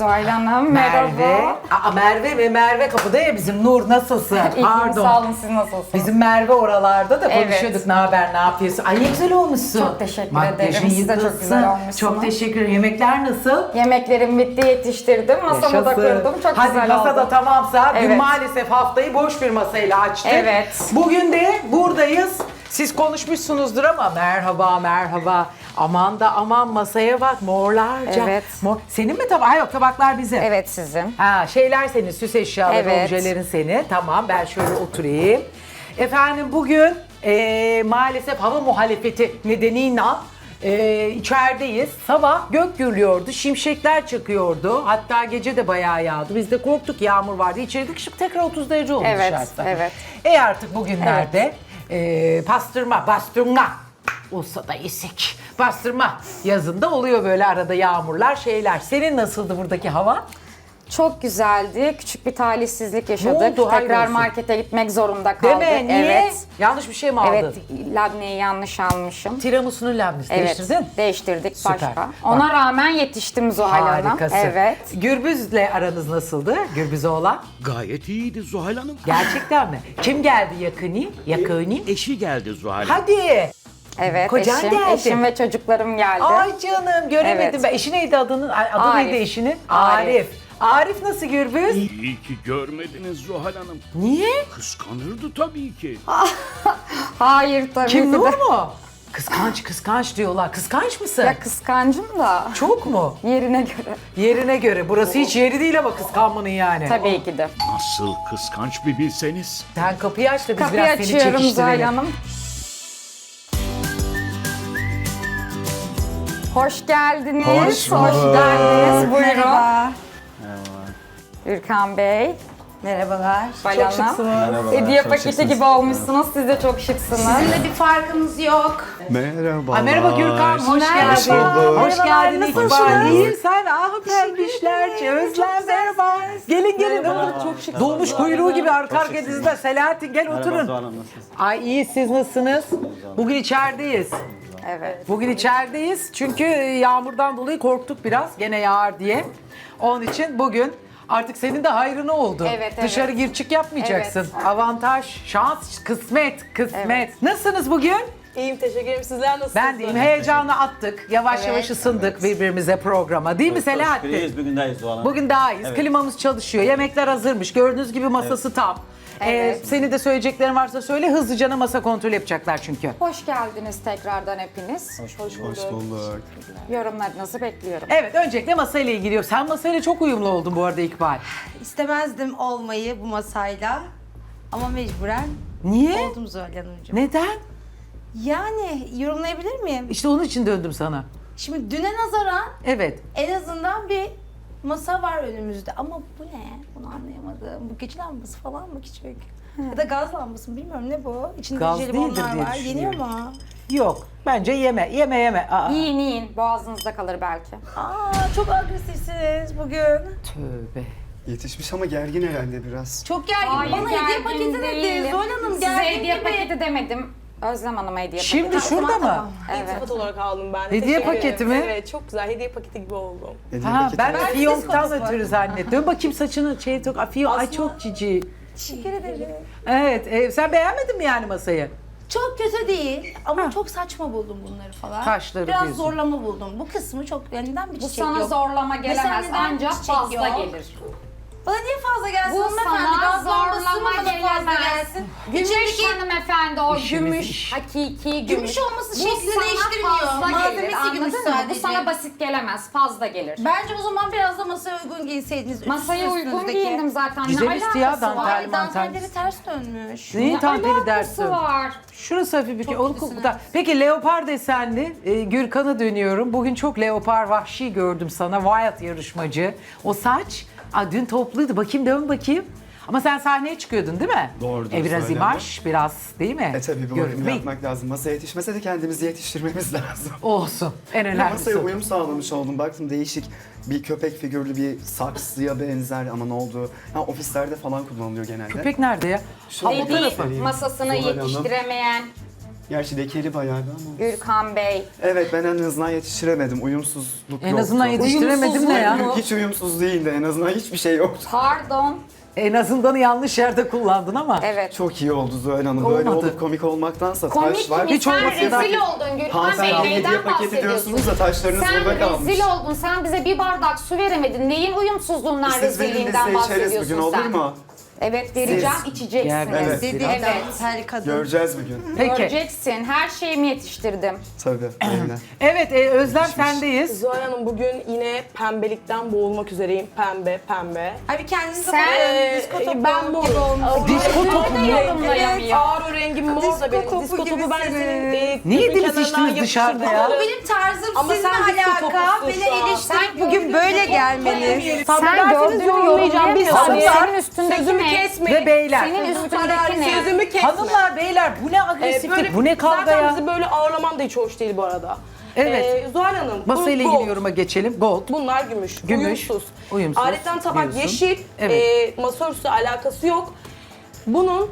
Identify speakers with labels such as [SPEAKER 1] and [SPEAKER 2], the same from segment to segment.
[SPEAKER 1] Zuhal Hanım,
[SPEAKER 2] Merve.
[SPEAKER 1] merhaba.
[SPEAKER 2] Merve ve Merve kapıda ya bizim. Nur nasılsın?
[SPEAKER 1] İyiyim, sağ olun, siz nasılsınız?
[SPEAKER 2] Bizim Merve oralarda da
[SPEAKER 1] Evet.
[SPEAKER 2] konuşuyorduk. Ne haber, ne yapıyorsun? Ay ne güzel olmuşsun.
[SPEAKER 1] Çok teşekkür
[SPEAKER 2] Makyajın
[SPEAKER 1] ederim. Siz de çok
[SPEAKER 2] yıldızsın.
[SPEAKER 1] güzel olmuşsunuz.
[SPEAKER 2] Çok teşekkür ederim. Yemekler nasıl?
[SPEAKER 1] Yemeklerim bitti, yetiştirdim. Masamı da kurdum. Çok
[SPEAKER 2] Hadi
[SPEAKER 1] güzel
[SPEAKER 2] masada
[SPEAKER 1] oldu.
[SPEAKER 2] tamamsa gün
[SPEAKER 1] Evet.
[SPEAKER 2] maalesef haftayı boş bir masayla açtık.
[SPEAKER 1] Evet.
[SPEAKER 2] Bugün de buradayız. Siz konuşmuşsunuzdur ama merhaba merhaba. Aman da aman masaya bak morlarca.
[SPEAKER 1] Evet.
[SPEAKER 2] Senin mi tabak? Yok tabaklar bizim.
[SPEAKER 1] Evet, sizin.
[SPEAKER 2] Ha, şeyler senin, süs eşyaları,
[SPEAKER 1] Evet.
[SPEAKER 2] objelerin senin. Tamam, ben şöyle oturayım. Efendim bugün maalesef hava muhalefeti nedeniyle içerideyiz. Sabah gök gürlüyordu, şimşekler çakıyordu. Hatta gece de bayağı yağdı. Biz de korktuk, yağmur vardı. İçeri çıkıp tekrar 30 derece oldu
[SPEAKER 1] Evet,
[SPEAKER 2] dışarısı.
[SPEAKER 1] evet.
[SPEAKER 2] Artık bugünlerde bastırma olsa da isik. Bastırma yazında oluyor böyle arada yağmurlar, şeyler. Senin nasıldı buradaki hava?
[SPEAKER 1] Çok güzeldi. Küçük bir talihsizlik yaşadık.
[SPEAKER 2] oldu? Hayır
[SPEAKER 1] Tekrar
[SPEAKER 2] olsun.
[SPEAKER 1] markete gitmek zorunda
[SPEAKER 2] Değil
[SPEAKER 1] kaldık.
[SPEAKER 2] mi? Niye?
[SPEAKER 1] Evet.
[SPEAKER 2] Yanlış bir şey mi aldın?
[SPEAKER 1] Evet, labneyi yanlış almışım.
[SPEAKER 2] Tiramisu'nun labnesi
[SPEAKER 1] Evet,
[SPEAKER 2] değiştirdin.
[SPEAKER 1] değiştirdik
[SPEAKER 2] Süper.
[SPEAKER 1] başka.
[SPEAKER 2] Bak.
[SPEAKER 1] Ona rağmen yetiştim Zuhal Hanım.
[SPEAKER 2] Harikasın.
[SPEAKER 1] Evet.
[SPEAKER 2] Gürbüz'le aranız nasıldı? Gürbüz'e olan.
[SPEAKER 3] Gayet iyiydi Zuhal Hanım.
[SPEAKER 2] Gerçekten mi? Kim geldi yakını? Yakını?
[SPEAKER 3] Eşi geldi Zuhal Hanım.
[SPEAKER 2] Hadi.
[SPEAKER 1] Evet,
[SPEAKER 2] Kocan
[SPEAKER 1] eşim,
[SPEAKER 2] geldi.
[SPEAKER 1] eşim ve çocuklarım geldi.
[SPEAKER 2] Ay canım göremedim
[SPEAKER 1] Evet.
[SPEAKER 2] ben. Eşi neydi adının? Adı
[SPEAKER 1] Arif.
[SPEAKER 2] neydi eşinin?
[SPEAKER 1] Arif.
[SPEAKER 2] Arif nasıl Gürbüz?
[SPEAKER 3] İyi ki görmediniz Zuhal Hanım.
[SPEAKER 2] Niye?
[SPEAKER 3] Kıskanırdı tabii ki.
[SPEAKER 1] Hayır tabii
[SPEAKER 2] Kim
[SPEAKER 1] ki de.
[SPEAKER 2] Nur mu? Kıskanç diyorlar. Kıskanç mısın?
[SPEAKER 1] Ya kıskancım da
[SPEAKER 2] Çok mu?
[SPEAKER 1] yerine göre.
[SPEAKER 2] Yerine göre. Burası hiç yeri değil ama kıskanmanın yani.
[SPEAKER 1] Tabii ki de.
[SPEAKER 3] Nasıl kıskanç bir bilseniz.
[SPEAKER 2] Sen kapıyı aç da biz
[SPEAKER 1] Kapıyı
[SPEAKER 2] biraz seni
[SPEAKER 1] açıyorum Zuhal
[SPEAKER 2] çekiştirelim.
[SPEAKER 1] Hanım. Hoş geldiniz.
[SPEAKER 4] Hoş bulduk.
[SPEAKER 1] geldiniz. Buyurun.
[SPEAKER 4] Merhaba.
[SPEAKER 1] Ürkan Bey,
[SPEAKER 4] Merhabalar.
[SPEAKER 1] Bal Hanım. Hediye paketi gibi olmuşsunuz. Siz de çok şıksınız.
[SPEAKER 4] Sizinle bir farkımız yok.
[SPEAKER 5] Merhaba.
[SPEAKER 2] Ay, merhaba Gürkan, hoş
[SPEAKER 1] Merhaba.
[SPEAKER 2] geldin.
[SPEAKER 5] bulduk.
[SPEAKER 2] Hoş geldin.
[SPEAKER 1] Nasılsınız?
[SPEAKER 2] İkbal. İyiyim sen. Pembişler, Özlem merhaba. Gelin. Çok şık. Dolmuş kuyruğu gibi arka arka dizide. Selahattin gel oturun. Ay iyi, siz nasılsınız? Bugün içerideyiz.
[SPEAKER 1] Evet.
[SPEAKER 2] Bugün içerideyiz çünkü yağmurdan dolayı korktuk biraz. Gene yağar diye. Onun için bugün artık senin de hayrına oldu.
[SPEAKER 1] Evet,
[SPEAKER 2] Dışarı
[SPEAKER 1] evet.
[SPEAKER 2] gir çık yapmayacaksın.
[SPEAKER 1] Evet.
[SPEAKER 2] Avantaj, şans, kısmet.
[SPEAKER 1] Evet.
[SPEAKER 2] Nasılsınız bugün?
[SPEAKER 6] İyiyim, teşekkür ederim. Sizler nasılsınız?
[SPEAKER 2] Ben deyim, heyecanı attık. Yavaş
[SPEAKER 1] Evet.
[SPEAKER 2] yavaş ısındık birbirimize programa. Değil mi Selahattin?
[SPEAKER 7] İyiyiz, bugün daha iyiyiz Zuhal Hanım.
[SPEAKER 2] Bugün daha iyiyiz.
[SPEAKER 7] Evet.
[SPEAKER 2] Klimamız çalışıyor. Yemekler hazırmış. Gördüğünüz gibi masası tam.
[SPEAKER 1] Evet.
[SPEAKER 2] Senin de söyleyeceklerin varsa söyle. Hızlıca masa kontrol yapacaklar çünkü.
[SPEAKER 1] Hoş geldiniz tekrardan hepiniz.
[SPEAKER 5] Hoş bulduk.
[SPEAKER 1] Yorumlarınızı bekliyorum.
[SPEAKER 2] Evet, öncelikle masayla ilgili yok. Sen masayla çok uyumlu oldun bu arada İkbal.
[SPEAKER 4] İstemezdim olmayı bu masayla. Ama mecburen
[SPEAKER 2] Niye?
[SPEAKER 4] oldum Zuhal Hanımcığım.
[SPEAKER 2] Neden?
[SPEAKER 4] Yani yorumlayabilir miyim?
[SPEAKER 2] İşte onun için döndüm sana.
[SPEAKER 4] Şimdi düne nazaran
[SPEAKER 2] Evet.
[SPEAKER 4] en azından bir masa var önümüzde. Ama bu ne? Bunu anlayamadım. Bu gece lambası falan mı küçük? Ya da gaz lambası mı bilmiyorum ne bu? İçinde
[SPEAKER 2] Gaz değildir
[SPEAKER 4] jelibonlar
[SPEAKER 2] diye
[SPEAKER 4] var. Yeniyor
[SPEAKER 2] düşünüyorum.
[SPEAKER 4] mu?
[SPEAKER 2] Yok. Bence yeme. Aa.
[SPEAKER 1] Yiyin. Boğazınızda kalır belki.
[SPEAKER 4] Çok agresifsiniz bugün.
[SPEAKER 2] Tövbe.
[SPEAKER 5] Yetişmiş ama gergin herhalde biraz.
[SPEAKER 4] Çok gergin. Bana hediye paketi dedi. Zuhal Hanım
[SPEAKER 1] Size
[SPEAKER 4] gergin
[SPEAKER 1] hediye
[SPEAKER 4] gibi.
[SPEAKER 1] paketi demedim. Özlem Hanım'a hediye
[SPEAKER 2] Şimdi
[SPEAKER 1] paketi.
[SPEAKER 2] şurada mı?
[SPEAKER 4] Tamam.
[SPEAKER 1] Evet.
[SPEAKER 6] İltifat olarak aldım ben.
[SPEAKER 2] Hediye
[SPEAKER 6] Teşekkür
[SPEAKER 2] paketi
[SPEAKER 6] ederim.
[SPEAKER 2] mi?
[SPEAKER 6] Evet, çok güzel. Hediye paketi gibi oldum.
[SPEAKER 5] Hediye
[SPEAKER 2] Ha,
[SPEAKER 5] paketi
[SPEAKER 2] ben
[SPEAKER 5] var.
[SPEAKER 2] de fiyonktan ötürü zannettim. Dön bakayım saçını Ay çok cici.
[SPEAKER 4] Teşekkür ederim.
[SPEAKER 2] Evet. Sen beğenmedin mi yani masayı?
[SPEAKER 4] Çok kötü değil ama çok saçma buldum bunları falan.
[SPEAKER 2] Taşları
[SPEAKER 4] Biraz
[SPEAKER 2] diyorsun.
[SPEAKER 4] zorlama buldum. Bu kısmı çok neden bir
[SPEAKER 1] Bu
[SPEAKER 4] çiçek
[SPEAKER 1] sana
[SPEAKER 4] yok.
[SPEAKER 1] zorlama
[SPEAKER 4] Mesela
[SPEAKER 1] gelemez.
[SPEAKER 4] neden
[SPEAKER 1] Ancak
[SPEAKER 4] çiçek
[SPEAKER 1] fazla
[SPEAKER 4] yok?
[SPEAKER 1] gelir.
[SPEAKER 4] Bana niye fazla gelsin
[SPEAKER 1] Bu
[SPEAKER 4] hanımefendi?
[SPEAKER 1] sana
[SPEAKER 4] Gaz lambası mı
[SPEAKER 1] zorlama
[SPEAKER 4] bana fazla
[SPEAKER 1] gelemez.
[SPEAKER 4] gelsin?
[SPEAKER 1] Gümüş
[SPEAKER 4] İçindeki
[SPEAKER 1] hanımefendi o
[SPEAKER 2] İşimiz
[SPEAKER 1] gümüş,
[SPEAKER 2] iş.
[SPEAKER 1] hakiki gümüş.
[SPEAKER 4] Gümüş olması
[SPEAKER 1] Bu
[SPEAKER 4] şeklini
[SPEAKER 1] sana
[SPEAKER 4] değiştirmiyor.
[SPEAKER 1] fazla
[SPEAKER 4] Malzemesi
[SPEAKER 1] gelir, anladın
[SPEAKER 4] gümüş
[SPEAKER 1] mı?
[SPEAKER 4] sadece.
[SPEAKER 1] Bu sana basit gelemez, fazla gelir.
[SPEAKER 4] Bence o zaman biraz da masaya uygun giyseydiniz.
[SPEAKER 1] Masaya uygun giyindim zaten.
[SPEAKER 2] Güzel
[SPEAKER 1] Ne
[SPEAKER 2] üstü ya,
[SPEAKER 1] alakası var?
[SPEAKER 2] dantel.
[SPEAKER 4] Ay dantelleri ters dönmüş.
[SPEAKER 2] Neyin tanteli
[SPEAKER 1] Alakası
[SPEAKER 2] dersin?
[SPEAKER 1] var.
[SPEAKER 2] Şurası hafif bir
[SPEAKER 4] Çok kötüsünüz.
[SPEAKER 2] Peki leopar desenli Gürkan'a dönüyorum. Bugün çok leopar vahşi gördüm sana. Wild yarışmacı. O saç dün topluydu. Dön bakayım. Ama sen sahneye çıkıyordun değil mi?
[SPEAKER 5] Doğrudur,
[SPEAKER 2] Biraz
[SPEAKER 5] söyledim.
[SPEAKER 2] imaj, biraz değil mi?
[SPEAKER 5] Tabii bir bakım
[SPEAKER 2] Görünme.
[SPEAKER 5] yapmak lazım. Masaya yetişmese de kendimizi yetiştirmemiz lazım.
[SPEAKER 2] Olsun. En önemlisi.
[SPEAKER 5] Masaya uyum sağlamış oldum. Baktım değişik bir köpek figürlü bir saksıya benzer ama ne oldu? Ha, ofislerde falan kullanılıyor genelde.
[SPEAKER 2] Köpek nerede ya? Ha, o
[SPEAKER 1] Dediği
[SPEAKER 2] tarafı.
[SPEAKER 1] masasını
[SPEAKER 5] Zuhal Hanım.
[SPEAKER 1] yetiştiremeyen
[SPEAKER 5] Gerçi lekeli bayağı bir ama.
[SPEAKER 1] Gürkan Bey.
[SPEAKER 5] Evet ben en azından yetiştiremedim. Uyumsuzluk
[SPEAKER 2] En
[SPEAKER 5] yoktu.
[SPEAKER 2] azından yetiştiremedim ne ya?
[SPEAKER 5] Hiç uyumsuz değildi. En azından hiçbir şey yoktu.
[SPEAKER 1] Pardon.
[SPEAKER 2] En azından yanlış yerde kullandın ama.
[SPEAKER 1] Evet.
[SPEAKER 5] Çok iyi oldu Zuhal Hanım. Böyle
[SPEAKER 2] Olmadı.
[SPEAKER 5] olup komik olmaktansa
[SPEAKER 1] Komik
[SPEAKER 5] taş var.
[SPEAKER 1] mi?
[SPEAKER 2] Hiç
[SPEAKER 1] Sen
[SPEAKER 2] olmasın.
[SPEAKER 1] rezil oldun Gürkan Bey.
[SPEAKER 5] Hanımefendi hediye
[SPEAKER 1] Neyden
[SPEAKER 5] paketi
[SPEAKER 1] bahsediyorsun?
[SPEAKER 5] diyorsunuz da taşlarınız
[SPEAKER 1] Sen
[SPEAKER 5] burada kalmış.
[SPEAKER 1] rezil oldun. Sen bize bir bardak su veremedin. Neyin uyumsuzluğundan,
[SPEAKER 5] Siz verin biz
[SPEAKER 1] rezilliğinden
[SPEAKER 5] de içeriz
[SPEAKER 1] bahsediyorsun
[SPEAKER 5] bugün olur
[SPEAKER 1] sen?
[SPEAKER 5] mu?
[SPEAKER 1] Evet vereceğim,
[SPEAKER 5] Siz-
[SPEAKER 1] içeceksiniz.
[SPEAKER 5] Evet.
[SPEAKER 4] Her kadın.
[SPEAKER 5] Göreceğiz bugün.
[SPEAKER 2] Peki.
[SPEAKER 1] Göreceksin. Her şeyimi yetiştirdim.
[SPEAKER 5] Tabii. Öyle.
[SPEAKER 2] Evet Özlem sendeyiz.
[SPEAKER 6] Zuhal Hanım bugün yine pembelikten boğulmak üzereyim. Pembe, pembe.
[SPEAKER 4] Abi kendinizi
[SPEAKER 1] Sen-
[SPEAKER 6] Ben mor.
[SPEAKER 2] Disko topu mu?
[SPEAKER 1] Yorumlayamıyor.
[SPEAKER 6] Ağır rengim mor da benim.
[SPEAKER 4] topu
[SPEAKER 6] Disko topu
[SPEAKER 4] gibisiniz.
[SPEAKER 6] ben senin
[SPEAKER 2] Ne
[SPEAKER 6] gözün
[SPEAKER 2] yediniz
[SPEAKER 6] kenarından
[SPEAKER 2] içtiniz dışarıda ya?
[SPEAKER 6] yapıştırdım.
[SPEAKER 4] Bu benim tarzım
[SPEAKER 6] Ama
[SPEAKER 4] sizinle
[SPEAKER 6] sen disko
[SPEAKER 4] alaka.
[SPEAKER 6] topusun
[SPEAKER 4] Beni
[SPEAKER 6] şu an.
[SPEAKER 4] eleştirip bugün böyle gelmeniz.
[SPEAKER 1] Sen gördüğünü
[SPEAKER 6] yorumlayacağım. Bir saniye.
[SPEAKER 1] Senin üstündeki
[SPEAKER 6] Sözümü
[SPEAKER 1] ne?
[SPEAKER 6] kesmeyin.
[SPEAKER 2] Ve beyler.
[SPEAKER 1] Senin üstündeki ne?
[SPEAKER 6] Sözümü kesme.
[SPEAKER 2] Hanımlar beyler bu ne agresiflik,
[SPEAKER 6] Böyle
[SPEAKER 2] bu ne kavga
[SPEAKER 6] zaten
[SPEAKER 2] ya?
[SPEAKER 6] bizi böyle ağırlaman da hiç hoş değil bu arada.
[SPEAKER 2] Evet.
[SPEAKER 6] Zuhal Hanım.
[SPEAKER 2] Masayla
[SPEAKER 6] bu
[SPEAKER 2] ilgili
[SPEAKER 6] gold.
[SPEAKER 2] yoruma geçelim. Gold.
[SPEAKER 6] Bunlar gümüş.
[SPEAKER 2] Gümüş,
[SPEAKER 6] Uyumsuz.
[SPEAKER 2] uyumsuz
[SPEAKER 6] Aletten tabak
[SPEAKER 2] diyorsun.
[SPEAKER 6] yeşil.
[SPEAKER 2] Evet.
[SPEAKER 6] Masa örtüsü alakası yok. Bunun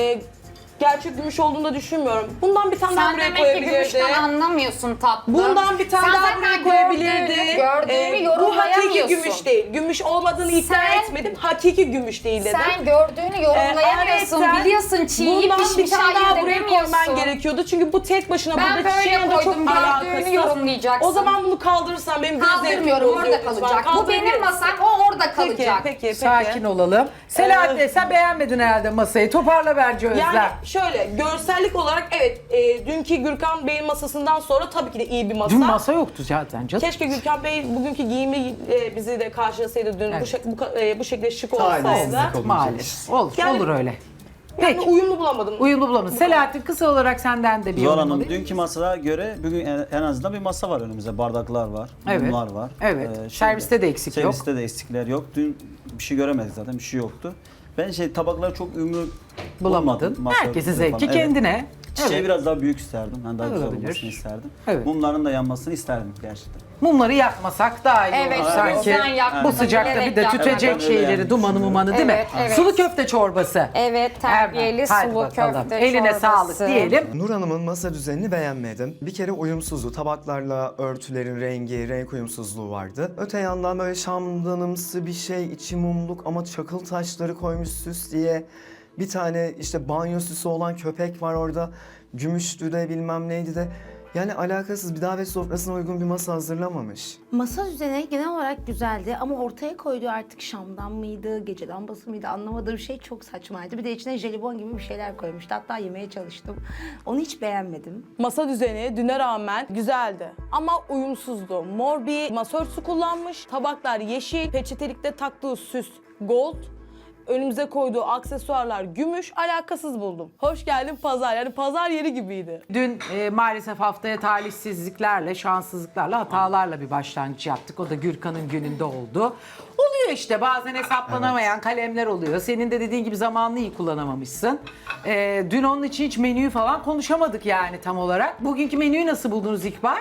[SPEAKER 6] gerçek gümüş olduğunu da düşünmüyorum. Bundan bir tane daha
[SPEAKER 1] Sen
[SPEAKER 6] buraya
[SPEAKER 1] demek ki
[SPEAKER 6] koyabilirdi.
[SPEAKER 1] gümüşten anlamıyorsun tatlım.
[SPEAKER 6] Bundan bir tane
[SPEAKER 1] Sen
[SPEAKER 6] daha
[SPEAKER 1] zaten
[SPEAKER 6] buraya koyabilirdi.
[SPEAKER 1] Gördüğünü
[SPEAKER 6] Bu hakiki
[SPEAKER 1] yorumlayamıyorsun.
[SPEAKER 6] gümüş değil. Gümüş olmadığını iddia
[SPEAKER 1] Sen-
[SPEAKER 6] etmedim. Hakiki gümüş değil dedim.
[SPEAKER 1] Sen gördüğünü yorumlayamıyorsun.
[SPEAKER 6] Ayrıca
[SPEAKER 1] Biliyorsun çiğ
[SPEAKER 6] bundan bir
[SPEAKER 1] pişmiş
[SPEAKER 6] tane daha
[SPEAKER 1] hayır
[SPEAKER 6] buraya
[SPEAKER 1] demiyorsun.
[SPEAKER 6] koyman gerekiyordu. Çünkü bu tek başına
[SPEAKER 1] Ben
[SPEAKER 6] burada
[SPEAKER 1] böyle
[SPEAKER 6] çiçeğin de çok
[SPEAKER 1] koydum, gördüğünü
[SPEAKER 6] alakasız.
[SPEAKER 1] yorumlayacaksın.
[SPEAKER 6] O zaman bunu kaldırırsan benim göz zevkim
[SPEAKER 1] Kaldırmıyorum,
[SPEAKER 6] bozuyor
[SPEAKER 1] orada
[SPEAKER 6] lütfen.
[SPEAKER 1] kalacak. Bu benim
[SPEAKER 6] Kaldırabilir
[SPEAKER 1] masam,
[SPEAKER 6] misin?
[SPEAKER 1] o orada
[SPEAKER 6] Peki,
[SPEAKER 1] kalacak.
[SPEAKER 6] peki.
[SPEAKER 2] Sakin olalım. Selahattin sen beğenmedin herhalde masayı. Toparla bence Özlem.
[SPEAKER 6] Yani şöyle görsellik olarak evet dünkü Gürkan Bey'in masasından sonra tabii ki de iyi bir masa.
[SPEAKER 2] Dün masa yoktu zaten canım.
[SPEAKER 6] Keşke Gürkan Bey bugünkü giyimi bizi de karşılasaydı dün
[SPEAKER 2] Evet.
[SPEAKER 6] bu şekilde şık
[SPEAKER 5] Talihsizlik
[SPEAKER 6] olsaydı.
[SPEAKER 5] oldu.
[SPEAKER 2] Maalesef. Olur,
[SPEAKER 6] Yani-
[SPEAKER 2] olur öyle.
[SPEAKER 6] Yani
[SPEAKER 2] Peki.
[SPEAKER 6] uyumlu bulamadım.
[SPEAKER 2] Uyumlu bulamadın. Selahattin kısa olarak senden de bir
[SPEAKER 7] Zuhal
[SPEAKER 2] yorum
[SPEAKER 7] Hanım,
[SPEAKER 2] alayım.
[SPEAKER 7] dünkü masaya göre bugün en azından bir masa var önümüzde. Bardaklar var,
[SPEAKER 2] Evet.
[SPEAKER 7] mumlar var.
[SPEAKER 2] Evet.
[SPEAKER 7] Şimdi
[SPEAKER 2] Serviste de eksik yok.
[SPEAKER 7] Serviste de eksikler yok. Dün bir şey göremedik zaten, bir şey yoktu. Ben tabakları çok ümrü
[SPEAKER 2] Bulamadın.
[SPEAKER 7] bulamadım. Masa
[SPEAKER 2] Herkesin
[SPEAKER 7] örtüsü
[SPEAKER 2] zevki
[SPEAKER 7] falan. Evet.
[SPEAKER 2] kendine.
[SPEAKER 7] Çiçeği
[SPEAKER 2] Evet.
[SPEAKER 7] biraz daha büyük isterdim. Yani daha güzel
[SPEAKER 2] Olabilir.
[SPEAKER 7] olmasını isterdim.
[SPEAKER 2] Evet.
[SPEAKER 7] Mumların da yanmasını isterdim gerçekten.
[SPEAKER 2] Mumları yakmasak daha iyi
[SPEAKER 1] Evet,
[SPEAKER 2] olur
[SPEAKER 1] o
[SPEAKER 2] sanki.
[SPEAKER 1] yüzden yakmadım,
[SPEAKER 2] Bu sıcakta bir de
[SPEAKER 1] bilerek
[SPEAKER 2] tütecek
[SPEAKER 7] yakmadım.
[SPEAKER 2] şeyleri,
[SPEAKER 7] Evet,
[SPEAKER 2] dumanı mumanı değil mi?
[SPEAKER 1] Evet, evet.
[SPEAKER 2] Sulu köfte çorbası.
[SPEAKER 1] Evet, terbiyeli
[SPEAKER 2] Hemen. Hadi
[SPEAKER 1] sulu
[SPEAKER 2] bakalım.
[SPEAKER 1] köfte
[SPEAKER 2] Eline
[SPEAKER 1] çorbası.
[SPEAKER 2] sağlık diyelim.
[SPEAKER 5] Nur Hanım'ın masa düzenini beğenmedim. Bir kere uyumsuzluğu, tabaklarla örtülerin rengi, renk uyumsuzluğu vardı. Öte yandan böyle şamdanımsı bir şey, içi mumluk ama çakıl taşları koymuş süs diye. Bir tane işte banyo süsü olan köpek var orada. Gümüştü de bilmem neydi de. Yani alakasız bir davet sofrasına uygun bir masa hazırlamamış.
[SPEAKER 4] Masa düzeni genel olarak güzeldi ama ortaya koyduğu artık şamdan mıydı, gece lambası mıydı anlamadığım şey çok saçmaydı. Bir de içine jelibon gibi bir şeyler koymuştu. Hatta yemeye çalıştım. Onu hiç beğenmedim.
[SPEAKER 6] Masa düzeni düne rağmen güzeldi ama uyumsuzdu. Mor bir masa örtüsü kullanmış. Tabaklar yeşil, peçetelikte taktığı süs gold. Önümüze koyduğu aksesuarlar gümüş, alakasız buldum. Hoş geldin pazar, yani pazar yeri gibiydi.
[SPEAKER 2] Dün maalesef haftaya talihsizliklerle, şanssızlıklarla, hatalarla bir başlangıç yaptık. O da Gürkan'ın gününde oldu. Oluyor işte bazen hesaplanamayan kalemler oluyor. Senin de dediğin gibi zamanını iyi kullanamamışsın. Dün onun için hiç menüyü falan konuşamadık yani tam olarak. Bugünkü menüyü nasıl buldunuz İkbal?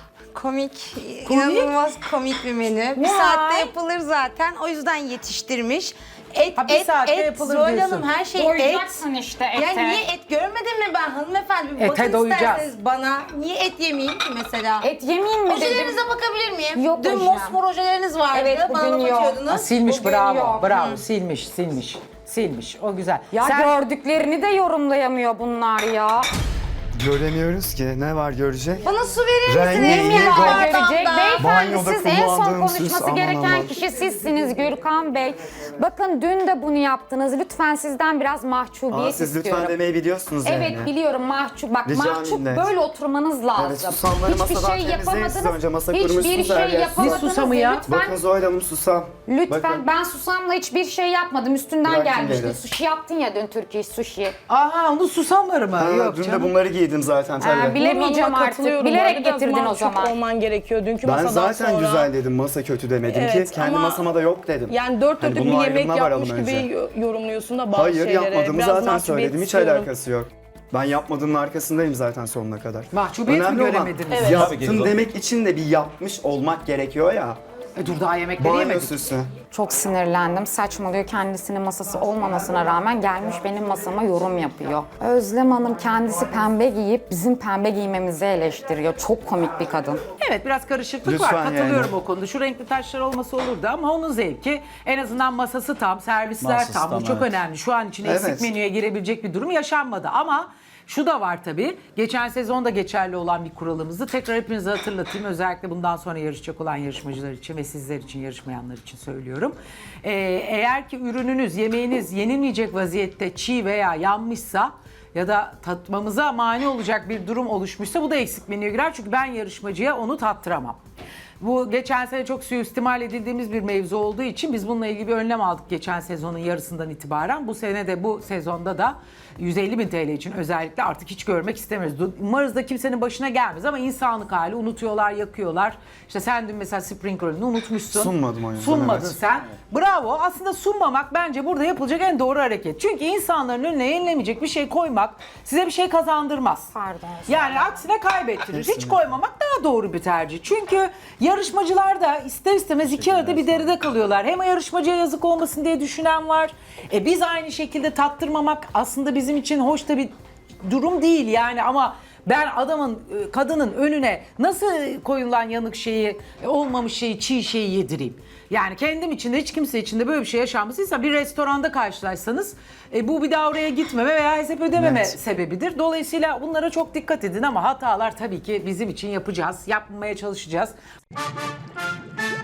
[SPEAKER 4] Komik, inanılmaz komik bir menü. Bir saatte yapılır zaten. O yüzden yetiştirmiş. Et,
[SPEAKER 2] Ha, bir saatte yapılır
[SPEAKER 4] Zuhal
[SPEAKER 2] diyorsun.
[SPEAKER 4] Hanım her şey et.
[SPEAKER 1] Doyacaksın işte ete.
[SPEAKER 4] Yani niye et görmedin mi ben hanımefendi? Bir
[SPEAKER 2] Ete
[SPEAKER 4] bakın
[SPEAKER 2] doyacağız.
[SPEAKER 4] isterseniz bana. Niye et yemeyeyim ki mesela?
[SPEAKER 1] Et yemeyeyim mi dedim.
[SPEAKER 4] Ojelerinize bakabilir miyim?
[SPEAKER 1] Yok
[SPEAKER 4] Dün
[SPEAKER 1] hocam.
[SPEAKER 4] mosmor ojeleriniz vardı.
[SPEAKER 1] Evet,
[SPEAKER 4] Bana
[SPEAKER 1] bugün
[SPEAKER 4] laf
[SPEAKER 1] yok.
[SPEAKER 4] atıyordunuz.
[SPEAKER 2] Silmiş
[SPEAKER 1] Bugün
[SPEAKER 2] bravo,
[SPEAKER 1] yok.
[SPEAKER 2] bravo. Silmiş. O güzel.
[SPEAKER 1] Ya
[SPEAKER 2] Sen-
[SPEAKER 1] gördüklerini de yorumlayamıyor bunlar ya.
[SPEAKER 5] Göremiyoruz ki. Ne var görecek?
[SPEAKER 4] Bana su verir
[SPEAKER 5] Rengi,
[SPEAKER 4] misiniz?
[SPEAKER 5] rengi,
[SPEAKER 1] Ne var
[SPEAKER 5] gold.
[SPEAKER 1] görecek? Beyefendi
[SPEAKER 5] Banyoda
[SPEAKER 1] siz en son
[SPEAKER 5] kullandığım süs,
[SPEAKER 1] konuşması
[SPEAKER 5] aman
[SPEAKER 1] gereken
[SPEAKER 5] aman.
[SPEAKER 1] kişi sizsiniz Gürkan Bey. Bakın dün de bunu yaptınız. Lütfen sizden biraz mahcubiyet
[SPEAKER 5] Siz
[SPEAKER 1] istiyorum.
[SPEAKER 5] lütfen demeyi biliyorsunuz
[SPEAKER 1] Evet
[SPEAKER 5] yani.
[SPEAKER 1] biliyorum mahcup. Bak
[SPEAKER 5] Rica
[SPEAKER 1] mahcup
[SPEAKER 5] minnet.
[SPEAKER 1] böyle oturmanız lazım.
[SPEAKER 5] Evet, susamları masadan temizleyin siz önce. Masa
[SPEAKER 1] Hiçbir
[SPEAKER 5] kurmuşsunuz her
[SPEAKER 1] şey
[SPEAKER 5] yer.
[SPEAKER 1] yapamadınız.
[SPEAKER 2] Ne susamı ya?
[SPEAKER 1] Lütfen,
[SPEAKER 5] Bakın Zuhal Hanım susam.
[SPEAKER 1] lütfen
[SPEAKER 5] Bakın.
[SPEAKER 1] ben susamla hiçbir şey yapmadım. Üstünden
[SPEAKER 5] Bırakın
[SPEAKER 1] gelmişti.
[SPEAKER 5] beni.
[SPEAKER 1] Sushi yaptın ya dün Türkiye sushi.
[SPEAKER 2] Aha onu susamları mı?
[SPEAKER 5] Ha,
[SPEAKER 2] Yok
[SPEAKER 5] dün de
[SPEAKER 2] canım.
[SPEAKER 5] bunları giydim zaten tabii.
[SPEAKER 1] Bilemeyeceğim
[SPEAKER 6] Nurhan'ıma
[SPEAKER 1] artık.
[SPEAKER 6] katılıyorum.
[SPEAKER 1] Bilerek
[SPEAKER 6] Biraz
[SPEAKER 1] getirdin o
[SPEAKER 6] mahcup
[SPEAKER 1] zaman.
[SPEAKER 6] olman gerekiyor dünkü
[SPEAKER 5] Ben
[SPEAKER 6] masadan
[SPEAKER 5] zaten
[SPEAKER 6] sonra.
[SPEAKER 5] güzel dedim, masa kötü demedim
[SPEAKER 6] Evet,
[SPEAKER 5] ki. Kendi
[SPEAKER 6] ama
[SPEAKER 5] masama da yok dedim.
[SPEAKER 6] Yani dört
[SPEAKER 5] Hani
[SPEAKER 6] dörtlük bir
[SPEAKER 5] bunun
[SPEAKER 6] yemek
[SPEAKER 5] ayrımına varalım
[SPEAKER 6] yapmış gibi
[SPEAKER 5] önce.
[SPEAKER 6] yorumluyorsun da bazı
[SPEAKER 5] Hayır
[SPEAKER 6] şeylere.
[SPEAKER 5] yapmadığımı
[SPEAKER 6] Biraz
[SPEAKER 5] zaten
[SPEAKER 6] mahcubiyet
[SPEAKER 5] söyledim, hiç
[SPEAKER 6] istiyorum.
[SPEAKER 5] alakası yok. Ben yapmadığımın arkasındayım zaten sonuna kadar.
[SPEAKER 2] Mahcubiyet mi
[SPEAKER 5] Önemli olan
[SPEAKER 2] göremediniz?
[SPEAKER 6] Evet.
[SPEAKER 5] yaptım
[SPEAKER 7] Tabii ki.
[SPEAKER 5] demek için de bir yapmış olmak gerekiyor ya.
[SPEAKER 2] Dur daha yemekleri
[SPEAKER 5] Banyo
[SPEAKER 2] yemedik.
[SPEAKER 5] süsü.
[SPEAKER 1] Çok sinirlendim. Saçmalıyor. Kendisinin masası olmamasına rağmen gelmiş benim masama yorum yapıyor. Özlem Hanım kendisi pembe giyip bizim pembe giymemizi eleştiriyor. Çok komik bir kadın.
[SPEAKER 2] Evet biraz karışıklık
[SPEAKER 5] Lütfen
[SPEAKER 2] var. Katılıyorum
[SPEAKER 5] yani.
[SPEAKER 2] o konuda. Şu renkli taşlar olması olurdu ama onun zevki. En azından masası tam, servisler
[SPEAKER 7] Masası
[SPEAKER 2] tam. Bu
[SPEAKER 7] tam,
[SPEAKER 2] çok
[SPEAKER 7] evet.
[SPEAKER 2] önemli. Şu an için eksik
[SPEAKER 5] Evet.
[SPEAKER 2] menüye girebilecek bir durum yaşanmadı ama şu da var tabii. Geçen sezonda geçerli olan bir kuralımızı tekrar hepinize hatırlatayım. Özellikle bundan sonra yarışacak olan yarışmacılar için ve sizler için, yarışmayanlar için söylüyorum. Eğer ki ürününüz, yemeğiniz yenilmeyecek vaziyette çiğ veya yanmışsa ya da tatmamıza mani olacak bir durum oluşmuşsa bu da eksik menüye girer. Çünkü ben yarışmacıya onu tattıramam. Bu geçen sene çok suistimal edildiğimiz bir mevzu olduğu için biz bununla ilgili bir önlem aldık geçen sezonun yarısından itibaren. Bu sene de bu sezonda da 150.000 TL için özellikle artık hiç görmek istemiyoruz. Umarız da kimsenin başına gelmez ama insanlık hali, unutuyorlar, yakıyorlar. İşte sen dün mesela spring roll'ünü unutmuşsun.
[SPEAKER 5] Sunmadım o yüzden,
[SPEAKER 2] Sunmadın
[SPEAKER 5] evet.
[SPEAKER 2] sen. Bravo. Aslında sunmamak bence burada yapılacak en doğru hareket. Çünkü insanların önüne yenilemeyecek bir şey koymak size bir şey kazandırmaz.
[SPEAKER 1] Pardon.
[SPEAKER 2] Yani aksine kaybettirir. Hiç koymamak daha doğru bir tercih. Çünkü yarışmacılar da ister istemez iki arada bir deride kalıyorlar. Hem yarışmacıya yazık olmasın diye düşünen var. Biz aynı şekilde tattırmamak aslında bizim için hoş da bir durum değil yani ama ben adamın, kadının önüne nasıl koyulan yanık şeyi, olmamış şeyi, çiğ şeyi yedireyim? Yani kendim için de hiç kimse için de böyle bir şey yaşanmasıysa bir restoranda karşılaşsanız bu bir daha oraya gitmeme veya hesap ödememe
[SPEAKER 5] Evet.
[SPEAKER 2] sebebidir. Dolayısıyla bunlara çok dikkat edin ama hatalar tabii ki bizim için yapacağız, yapmaya çalışacağız.